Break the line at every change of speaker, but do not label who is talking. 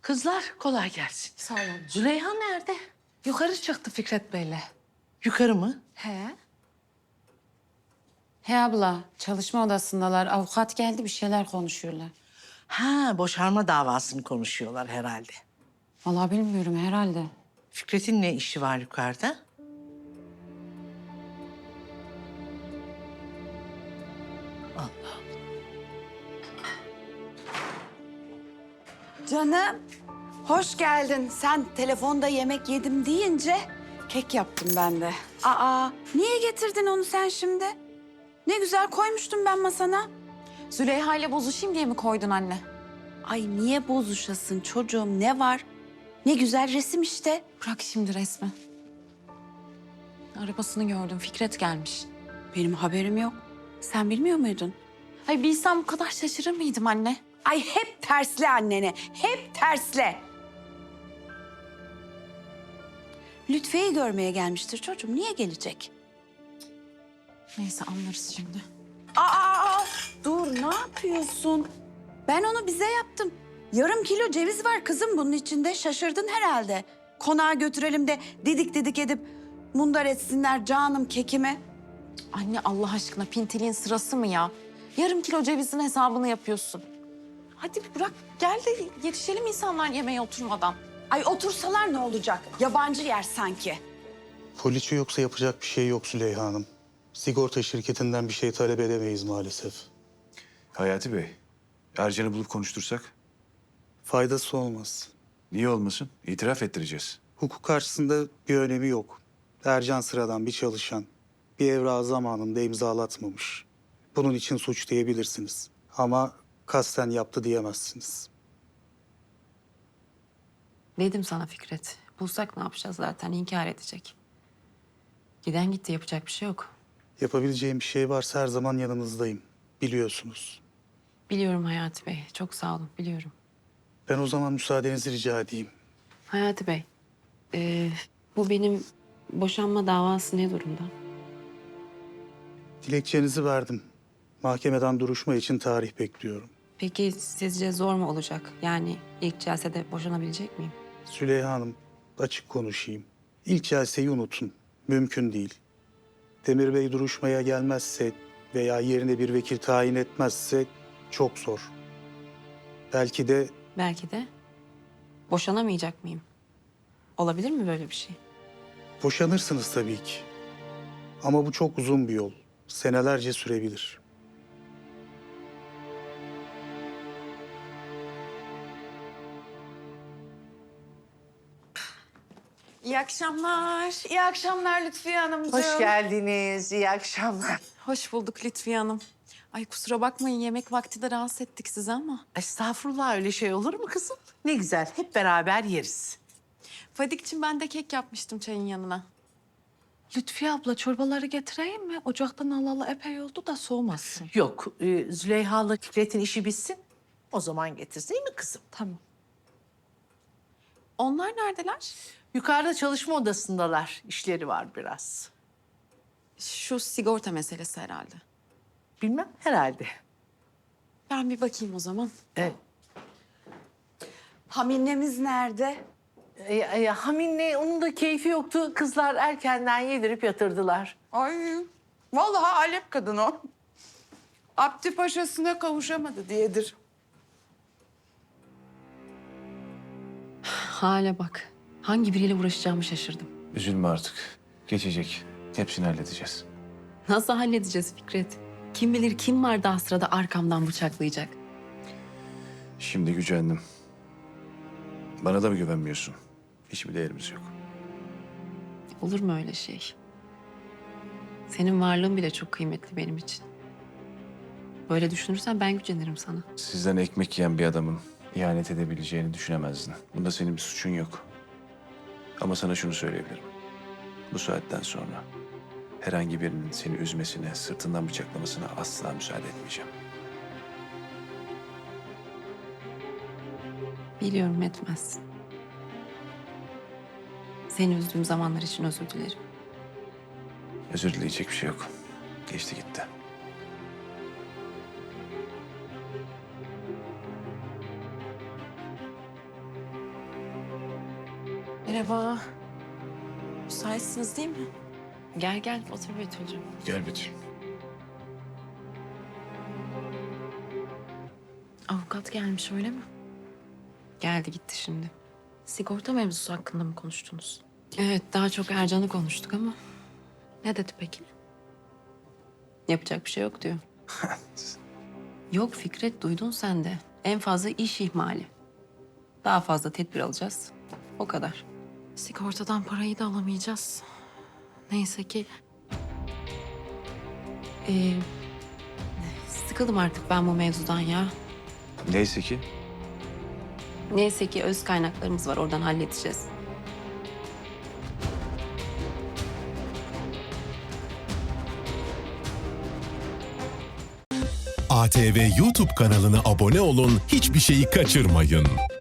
Kızlar kolay gelsin.
Sağ olun.
Züleyha nerede? Yukarı çıktı Fikret Bey'le. Yukarı mı?
He. He abla, çalışma odasındalar. Avukat geldi, bir şeyler konuşuyorlar.
Ha, boşanma davasını konuşuyorlar herhalde.
Vallahi bilmiyorum, herhalde.
Fikret'in ne işi var yukarıda?
Canım, hoş geldin. Sen telefonda yemek yedim deyince kek yaptım ben de. Aa, niye getirdin onu sen şimdi? Ne güzel koymuştum ben masana.
Züleyha ile bozuşayım diye mi koydun anne?
Ay niye bozuşasın çocuğum, ne var? Ne güzel resim işte.
Bırak şimdi resmi. Arabasını gördüm, Fikret gelmiş.
Benim haberim yok. Sen bilmiyor muydun?
Ay bilsem bu kadar şaşırır mıydım anne?
Ay hep tersle annene, hep tersle. Lütfe'yi görmeye gelmiştir çocuğum. Niye gelecek?
Neyse anlarız şimdi.
Aa, dur ne yapıyorsun? Ben onu bize yaptım. Yarım kilo ceviz var kızım bunun içinde. Şaşırdın herhalde. Konağa götürelim de didik didik edip mundar etsinler canım kekimi.
Anne Allah aşkına pintiliğin sırası mı ya? Yarım kilo cevizin hesabını yapıyorsun. Hadi bırak gel de yetişelim insanlar yemeğe oturmadan.
Ay otursalar ne olacak? Yabancı yer sanki.
Poliçe yoksa yapacak bir şey yok Züleyha Hanım. Sigorta şirketinden bir şey talep edemeyiz maalesef.
Hayati Bey, Ercan'ı bulup konuştursak?
Faydası olmaz.
Niye olmasın? İtiraf ettireceğiz.
Hukuk karşısında bir önemi yok. Ercan sıradan bir çalışan. Bir evrağı zamanında imzalatmamış. Bunun için suç diyebilirsiniz. Ama kasten yaptı diyemezsiniz.
Dedim sana Fikret. Bulsak ne yapacağız zaten inkar edecek. Giden gitti yapacak bir şey yok.
Yapabileceğim bir şey varsa her zaman yanınızdayım. Biliyorsunuz.
Biliyorum Hayati Bey. Çok sağ olun biliyorum.
Ben o zaman müsaadenizi rica edeyim.
Hayati Bey. Bu benim boşanma davası ne durumda?
Dilekçenizi verdim. Mahkemeden duruşma için tarih bekliyorum.
Peki sizce zor mu olacak? Yani ilk celsede boşanabilecek miyim?
Züleyha Hanım, açık konuşayım. İlk celseyi unutun. Mümkün değil. Demir Bey duruşmaya gelmezse veya yerine bir vekil tayin etmezse çok zor. Belki de
Belki de boşanamayacak mıyım? Olabilir mi böyle bir şey?
boşanırsınız tabii ki. Ama bu çok uzun bir yol. Senelerce sürebilir.
İyi akşamlar.
İyi akşamlar Lütfiye Hanımcığım.
Hoş geldiniz. İyi akşamlar.
Hoş bulduk Lütfiye Hanım. Ay kusura bakmayın yemek vakti de rahatsız ettik sizi ama.
Estağfurullah, öyle şey olur mu kızım? Ne güzel, hep beraber yeriz.
Fadik'cim ben de kek yapmıştım çayın yanına.
Lütfiye abla çorbaları getireyim mi? Ocaktan alalı epey oldu da soğumasın.
Yok, Züleyha'la Fikret'in işi bitsin. O zaman getirsin, değil mi kızım?
Tamam. Onlar neredeler?
Yukarıda çalışma odasındalar. İşleri var biraz.
Şu sigorta meselesi herhalde.
Bilmem, herhalde.
Ben bir bakayım o zaman.
Evet.
Haminemiz nerede?
Hamin'le onun da keyfi yoktu. Kızlar erkenden yedirip yatırdılar.
Ay vallahi Alep kadın o. Abdi paşasına kavuşamadı diyedir.
Hale bak. Hangi biriyle uğraşacağımı şaşırdım.
Üzülme artık. Geçecek. Hepsini halledeceğiz.
Nasıl halledeceğiz Fikret? Kim bilir kim var daha sırada arkamdan bıçaklayacak.
Şimdi gücendim. Bana da mı güvenmiyorsun? Hiçbir değerimiz yok.
Olur mu öyle şey? Senin varlığın bile çok kıymetli benim için. Böyle düşünürsen ben gücenirim sana.
Sizden ekmek yiyen bir adamın ihanet edebileceğini düşünemezdin. Bunda senin bir suçun yok. Ama sana şunu söyleyebilirim. Bu saatten sonra herhangi birinin seni üzmesine, sırtından bıçaklamasına asla müsaade etmeyeceğim.
Biliyorum etmezsin. Seni üzdüğüm zamanlar için özür dilerim.
Özür dileyecek bir şey yok. Geçti gitti.
Merhaba. Müsaitsiniz değil mi? Gel gel otur Betül'cüğüm.
Gel Betül.
Avukat gelmiş öyle mi? Geldi gitti şimdi. Sigorta mevzusu hakkında mı konuştunuz? Evet daha çok Ercan'ı konuştuk ama. Ne dedi peki? Yapacak bir şey yok diyor. Yok Fikret duydun sen de. En fazla iş ihmali. Daha fazla tedbir alacağız. O kadar. Sigortadan parayı da alamayacağız. Neyse ki... Sıkıldım artık ben bu mevzudan ya.
Neyse ki
Neyse ki öz kaynaklarımız var oradan halledeceğiz.
ATV YouTube kanalına abone olun, hiçbir şeyi kaçırmayın.